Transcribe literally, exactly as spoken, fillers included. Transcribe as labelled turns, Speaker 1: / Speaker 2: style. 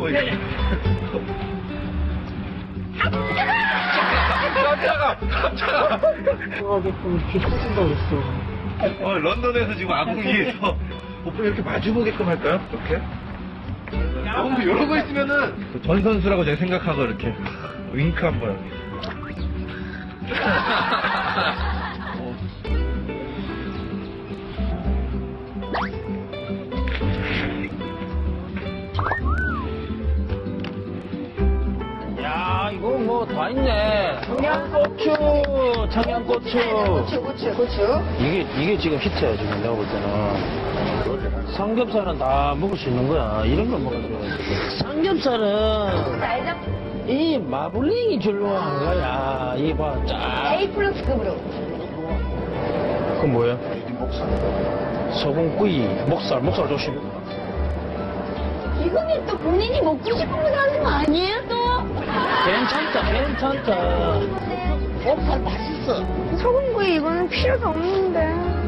Speaker 1: 뭐 이거. 깜짝아! 깜짝아!
Speaker 2: 하게끔 이렇게 해준다고 했어.
Speaker 1: 어, 런던에서 지금 아궁이에서 오빠 이렇게 마주보게끔 할까요? 이렇게? 어, 근데 이런 거 있으면은 전 선수라고 제가 생각하고 이렇게 윙크 한번.
Speaker 2: 야, 이거 뭐 다 있네. 청양고추, 청양고추.
Speaker 3: 고추, 고추, 고추.
Speaker 2: 이게, 이게 지금 히트야, 지금 내가 볼 때는. 삼겹살은 다 먹을 수 있는 거야. 이런 걸 먹어야 돼. 삼겹살은
Speaker 3: 날잡
Speaker 2: 이 마블링이 줄로한 거야. 이 봐, 쫙.
Speaker 3: A 플러스급으로.
Speaker 2: 그건 뭐야? 소금구이, 목살, 목살 조심.
Speaker 3: 이거는 또 본인이 먹고 싶은 거 하는 거 아니에요, 또?
Speaker 2: 괜찮다, 괜찮다.
Speaker 3: 목살 맛있어. 소금구이 이거는 필요도 없는데.